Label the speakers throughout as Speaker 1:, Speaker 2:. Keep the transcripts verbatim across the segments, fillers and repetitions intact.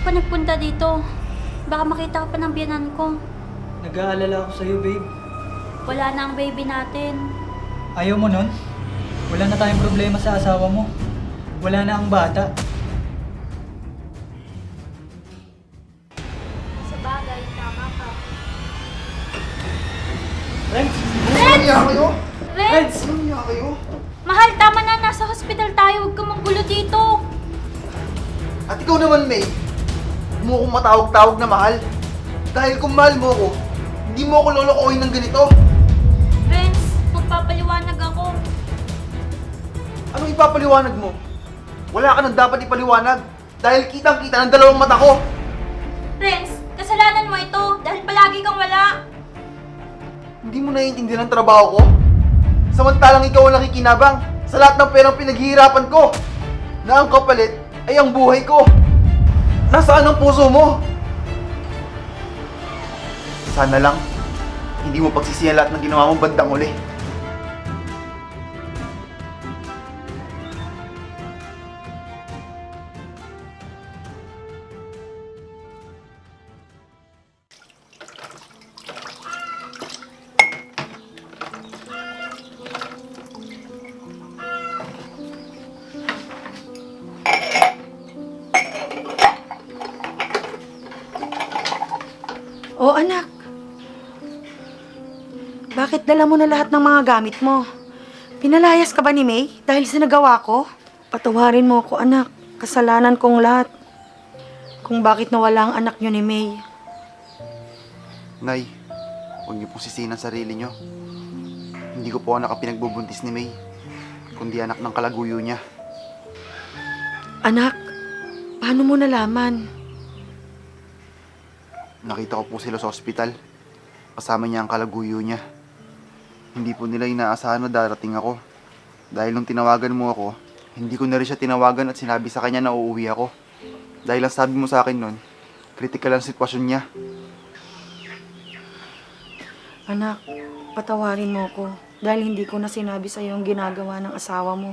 Speaker 1: pa nagpunta dito? Baka makita ka pa ng biyanan ko.
Speaker 2: Nag-aalala ako sa'yo, babe.
Speaker 1: Wala na ang baby natin.
Speaker 2: Ayaw mo nun? Wala na tayong problema sa asawa mo. Wala na ang bata.
Speaker 1: Sa bagay, tama ka.
Speaker 2: Renz!
Speaker 3: Ano niya kayo?
Speaker 1: Renz!
Speaker 3: Ano niya kayo?
Speaker 1: Mahal, tama na. Nasa hospital tayo. Huwag kang manggulo dito.
Speaker 3: At ikaw naman, May. Huwag mo akong matawag-tawag na mahal. Dahil kung mahal mo ako, hindi mo ako lolokohin ng ganito.
Speaker 1: Renz, magpapaliwanag ako.
Speaker 3: Anong ipapaliwanag mo? Wala ka nang dapat ipaliwanag. Dahil kitang-kita ng dalawang mata ko.
Speaker 1: Renz, kasalanan mo ito dahil palagi kang wala.
Speaker 3: Hindi mo naiintindihan ang trabaho ko? Samantalang ikaw ang nakikinabang sa lahat ng perang pinaghihirapan ko. Na ang kapalit ay ang buhay ko. Nasaan ang puso mo? Sana lang, hindi mo pagsisihan lahat ng ginawa mong bandang uli.
Speaker 4: Oh, anak. Bakit dala mo na lahat ng mga gamit mo? Pinalayas ka ba ni May dahil sa nagawa ko? Patawarin mo ako, anak. Kasalanan kong lahat. Kung bakit nawala ang anak niyo ni May.
Speaker 3: Nay, huwag niyo pong sisihin ang sarili niyo. Hindi ko po anak ang pinagbubuntis ni May, kundi anak ng kalaguyo niya.
Speaker 4: Anak, paano mo nalaman?
Speaker 3: Nakita ko po sila sa ospital. Kasama niya ang kalaguyo niya. Hindi po nila inaasahan na darating ako. Dahil nung tinawagan mo ako, hindi ko na rin siya tinawagan at sinabi sa kanya na uuwi ako. Dahil ang sabi mo sa akin nun, critical ang sitwasyon niya.
Speaker 4: Anak, patawarin mo ko dahil hindi ko na sinabi sa iyo ang ginagawa ng asawa mo.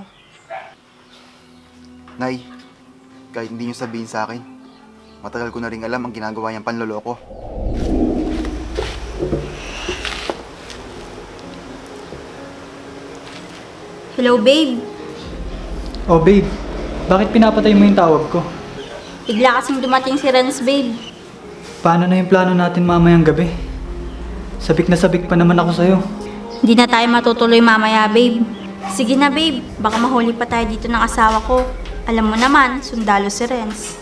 Speaker 3: Nay, kahit hindi niyo sabihin sa akin, matagal ko na rin alam ang ginagawa niyang panloloko.
Speaker 1: Hello, babe.
Speaker 2: Oh, babe. Bakit pinapatay mo yung tawag ko?
Speaker 1: Bigla kasing dumating si Renz, babe.
Speaker 2: Paano na yung plano natin mamayang gabi? Sabik na sabik pa naman ako sa'yo.
Speaker 1: Hindi na tayo matutuloy mamaya, babe. Sige na, babe. Baka mahuli pa tayo dito ng asawa ko. Alam mo naman, sundalo si Renz.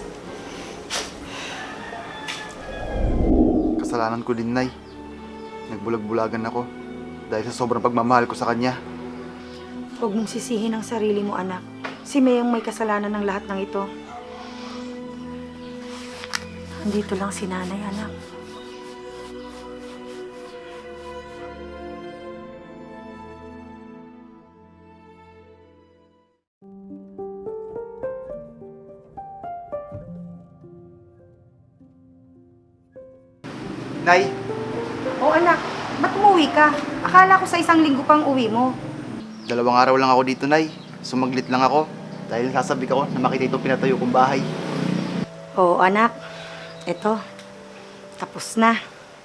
Speaker 3: Kasalanan ko din, Nay. Nagbulag-bulagan ako dahil sa sobrang pagmamahal ko sa kanya.
Speaker 4: Huwag mong sisihin ang sarili mo, anak. Si May ang may kasalanan ng lahat ng ito. Andito lang si nanay, anak.
Speaker 3: Nay,
Speaker 4: Oh, anak. Ba't umuwi ka? Akala ko sa isang linggo pang uwi mo.
Speaker 3: dalawang araw lang ako dito, Nay. Sumaglit lang ako dahil sasabik ako na makita itong pinatayo kong bahay.
Speaker 4: Oo, anak. Eto. Tapos na.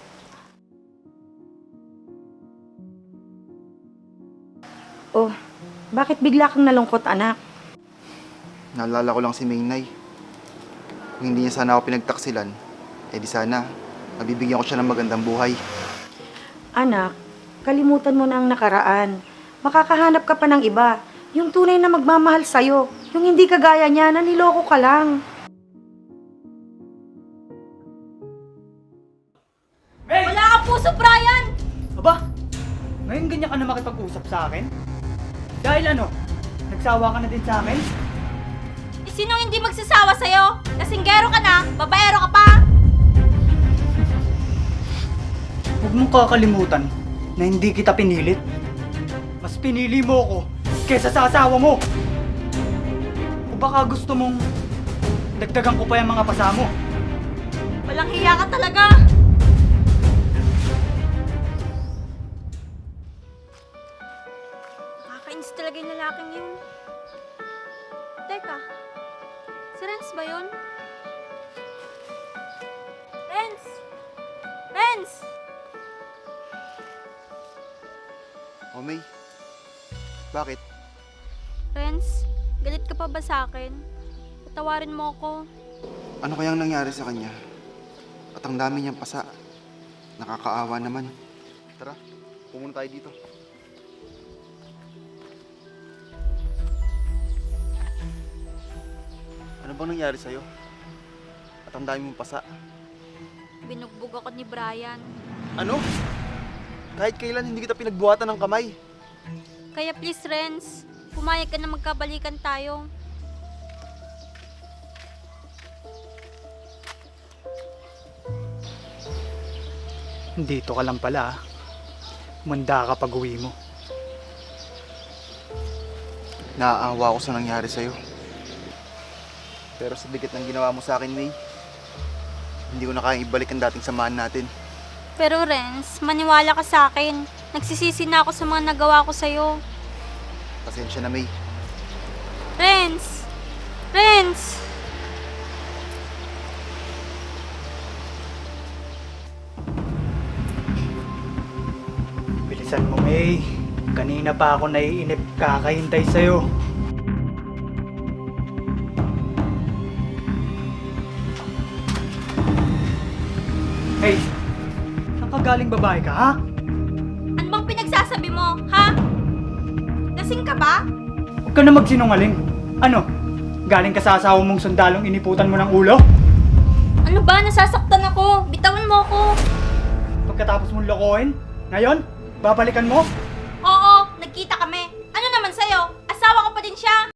Speaker 4: Oh, bakit bigla kang nalungkot, anak?
Speaker 3: Naalala ko lang si May, Nay. Kung hindi niya sana ako pinagtaksilan, eh di sana, mabibigyan ko siya ng magandang buhay.
Speaker 4: Anak, kalimutan mo na ang nakaraan. Makakahanap ka pa ng iba. Yung tunay na magmamahal sa'yo. Yung hindi kagaya niya na niloko ka lang.
Speaker 2: May!
Speaker 1: Wala kang puso, Brian!
Speaker 2: Aba, ngayon ganyan ka na makipag-usap sa akin? Dahil ano, nagsawa ka na din sa akin?
Speaker 1: Eh, sinong hindi magsasawa sa'yo? Kasinggero ka na, babaero ka pa!
Speaker 2: Huwag mong kakalimutan na hindi kita pinilit. Mas pinili mo ako kesa sa asawa mo. O baka gusto mong dagdagan ko pa yung mga pasamo.
Speaker 1: Walang hiya ka talaga! Nakakainis talaga yung lalaking yun. Teka, si Renz ba yun? Renz!
Speaker 3: O May, bakit?
Speaker 1: Renz, galit ka pa ba sa akin? Patawarin mo ako.
Speaker 3: Ano kayang nangyari sa kanya? At ang dami niyang pasa. Nakakaawa naman. Tara, pumunta tayo dito. Ano bang nangyari sa'yo? At ang dami mong pasa.
Speaker 1: Binugbog ako ni Brian.
Speaker 3: Ano? Kahit kailan hindi kita pinagbuhatan ng kamay.
Speaker 1: Kaya please, Renz, pumayag ka na magkabalikan tayo.
Speaker 2: Dito ka lang pala, ah. Manda ka pag uwi mo.
Speaker 3: Naaawa ako sa nangyari sa'yo. Pero sa dikit ng ginawa mo sa akin, May, hindi ko na kayang ibalik ang dating samahan natin.
Speaker 1: Pero Renz, maniwala ka sa akin. Nagsisisi na ako sa mga nagawa ko sa'yo.
Speaker 3: Pasensya na, May.
Speaker 1: Renz! Renz!
Speaker 2: Bilisan mo, May. Kanina pa ako naiinip kakahintay sa'yo. Hey, saan ka galing babae ka, ha?
Speaker 1: Ano bang pinagsasabi mo, ha? Lasing ka ba?
Speaker 2: Huwag ka na magsinungaling. Ano? Galing ka sa asawa mong sundalong iniputan mo ng ulo?
Speaker 1: Ano ba? Nasasaktan ako. Bitawan mo ako.
Speaker 2: Pagkatapos mong lokohin? Ngayon? Babalikan mo?
Speaker 1: Oo, nagkita kami. Ano naman sa'yo? Asawa ko pa din siya.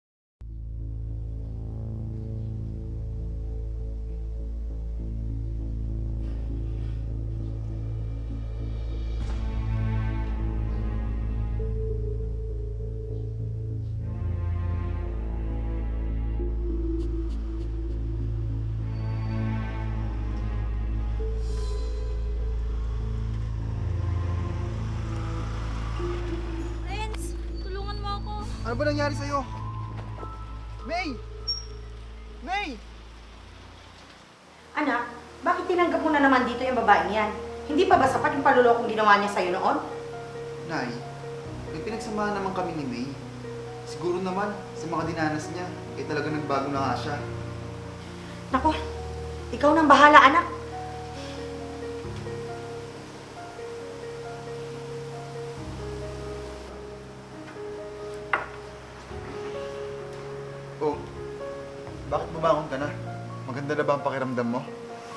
Speaker 1: Renz, tulungan mo ako.
Speaker 3: Ano ba nangyari sa'yo? May! May!
Speaker 4: Anak, bakit tinanggap mo na naman dito yung babaeng yan? Hindi pa ba sapat yung palulokong ginawa niya sa'yo noon?
Speaker 3: Nay, may pinagsamahan naman kami ni May. Siguro naman, sa mga dinanas niya, eh talaga nagbago na nga siya.
Speaker 4: Naku, ikaw nang bahala, anak.
Speaker 3: Oh, bakit bumangon ka na? Maganda na ba ang pakiramdam mo?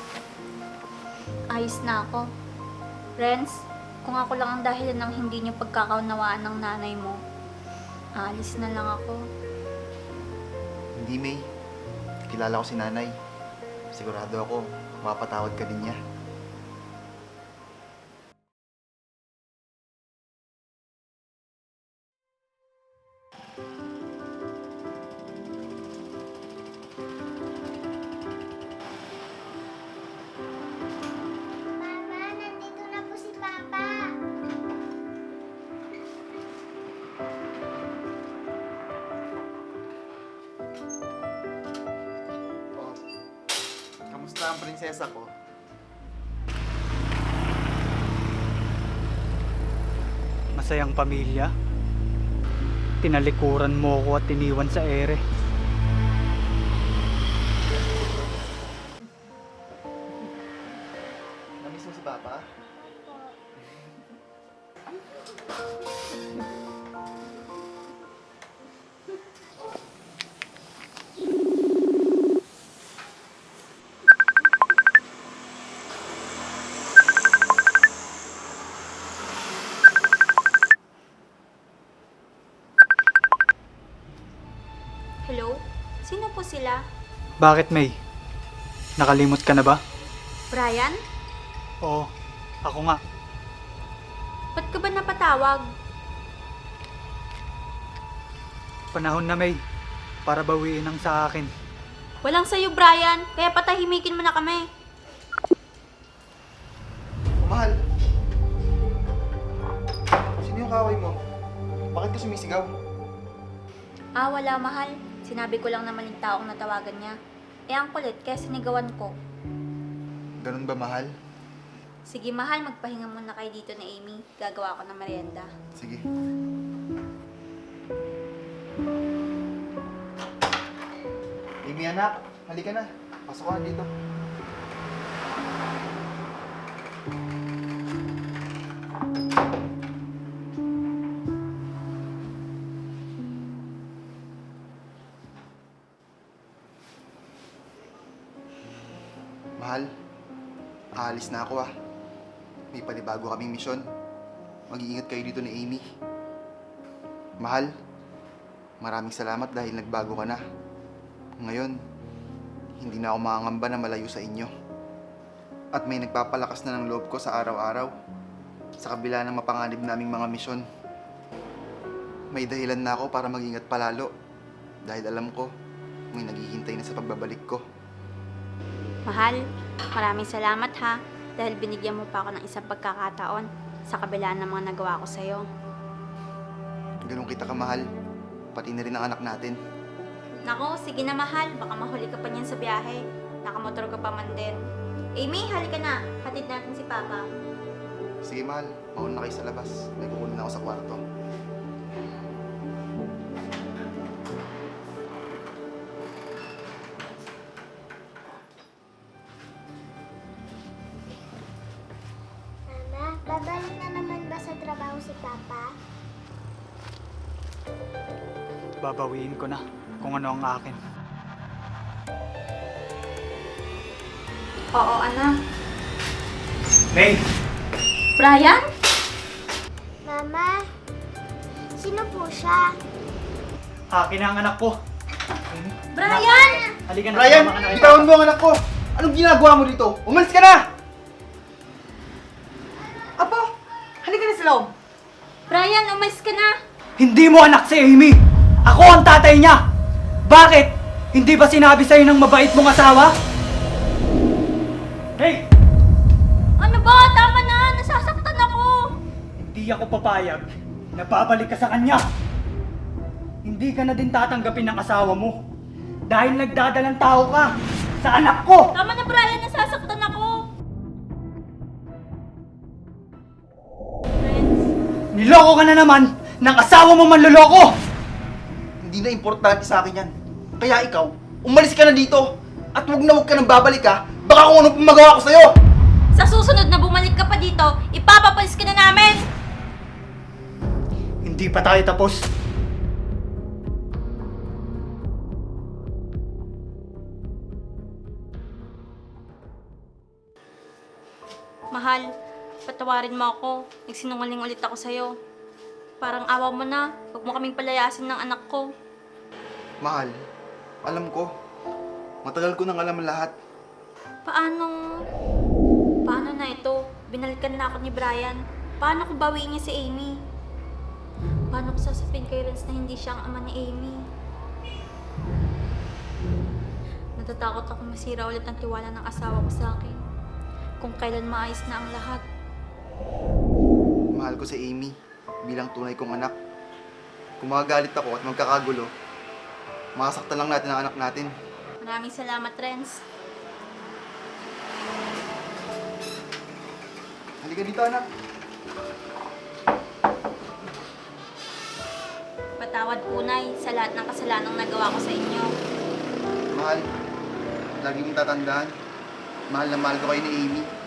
Speaker 1: Ayos na ako. Renz, kung ako lang ang dahilan ng hindi niyo pagkakaunawaan ng nanay mo, aalis na lang ako.
Speaker 3: Hindi, May. Kilala ko si nanay. Sigurado ako, mapatawad ka din niya.
Speaker 5: Mama, nandito na po si Papa.
Speaker 3: Oh, kamusta ang prinsesa ko?
Speaker 2: Masayang pamilya. Tinalikuran mo ko at iniwan sa ere.
Speaker 3: Namiss mo si Papa?
Speaker 1: Hello? Sino po sila?
Speaker 2: Bakit, May? Nakalimot ka na ba?
Speaker 1: Brian?
Speaker 2: Oo, ako nga.
Speaker 1: Ba't ka ba napatawag?
Speaker 2: Panahon na, May. Para bawiin ang sa akin.
Speaker 1: Walang sa'yo, Brian. Kaya patahimikin mo na kami.
Speaker 3: Mahal! Sino yung kaway mo? Bakit ka sumisigaw?
Speaker 1: Ah, wala, mahal. Sinabi ko lang naman yung taong natawagan niya. Eh, ang kulit, kaya sinigawan ko.
Speaker 3: Ganun ba, mahal?
Speaker 1: Sige mahal, magpahinga muna kayo dito na Amy. Gagawa ko ng merienda.
Speaker 3: Sige. Amy anak, halika na. Pasok ka na dito. Mahal, aalis na ako ah. May panibago kaming misyon. Mag-iingat kayo dito ni Amy. Mahal, maraming salamat dahil nagbago ka na. Ngayon, hindi na ako makangamba na malayo sa inyo. At may nagpapalakas na ng loob ko sa araw-araw. Sa kabila ng mapanganib naming mga misyon. May dahilan na ako para mag-ingat palalo. Dahil alam ko, may naghihintay na sa pagbabalik ko.
Speaker 1: Mahal, maraming salamat ha. Dahil binigyan mo pa ako ng isang pagkakataon sa kabila ng mga nagawa ko sa'yo.
Speaker 3: Ganun kita kamahal. Pati na rin ang anak natin.
Speaker 1: Nako, sige na mahal. Baka mahuli ka pa niyan sa biyahe. Nakamotor ka pa man din. Amy, halika na. Hatid natin si Papa.
Speaker 3: Sige mahal, mauna na kayo sa labas. May kukunin ako sa kwarto.
Speaker 5: Mama, babalik na naman ba sa trabaho si Papa?
Speaker 2: Babawiin ko na kung ano ang akin.
Speaker 1: Oo, anak.
Speaker 2: May!
Speaker 1: Brian?
Speaker 5: Mama, sino po siya?
Speaker 2: Akin ang anak ko.
Speaker 1: Brian!
Speaker 2: Halika na.
Speaker 3: Brian,
Speaker 2: sumama ka na kay
Speaker 3: bitawan
Speaker 2: Papa.
Speaker 3: mo ang anak ko! Anong ginagawa mo dito? Umalis ka na!
Speaker 4: Apo, halika na sa loob.
Speaker 1: Brian, umalis ka na.
Speaker 2: Hindi mo anak si Amy! Ako ang tatay niya! Bakit? Hindi ba sinabi sa'yo ng mabait mong asawa? Hey!
Speaker 1: Ano ba? Tama na. Nasasaktan ako.
Speaker 2: Hindi ako papayag na babalik ka sa kanya. Hindi ka na din tatanggapin ng asawa mo. Dahil nagdadalang tao ka sa anak ko!
Speaker 1: Tama na, Brian. Nasasaktan ako. Friends,
Speaker 2: Niloko ka na naman ng asawa mo manloloko!
Speaker 3: Hindi na importante sa akin yan. Kaya ikaw, umalis ka na dito. At huwag na huwag ka nang babalik ha. Baka kung ano pang magawa ko sa'yo.
Speaker 1: sa susunod na bumalik ka pa dito, ipapapalis ka na namin.
Speaker 2: Hindi pa tayo tapos.
Speaker 1: Mahal, patawarin mo ako. Nagsinungaling ulit ako sa'yo. Parang awa mo na. Huwag mo kaming palayasin ng anak ko.
Speaker 3: Mahal, alam ko. Matagal ko nang alam ang lahat.
Speaker 1: Paano? Paano na ito? Binalikan na ako ni Brian. Paano kung bawiin niya si Amy? Paano ko sasabihin kay Renz na hindi siya ang ama ni Amy? Natatakot ako masira ulit ang tiwala ng asawa ko sa akin. Kung kailan maayos na ang lahat.
Speaker 3: Mahal ko si Amy bilang tunay kong anak. Kung magagalit ako at magkakagulo, makasaktan lang natin ang anak natin.
Speaker 1: Maraming salamat, Renz.
Speaker 3: Halika dito, anak.
Speaker 1: Patawad punay sa lahat ng kasalanang nagawa ko sa inyo.
Speaker 3: Mahal, lagi mong tatandaan. Mahal na mahal ko kayo ni Amy.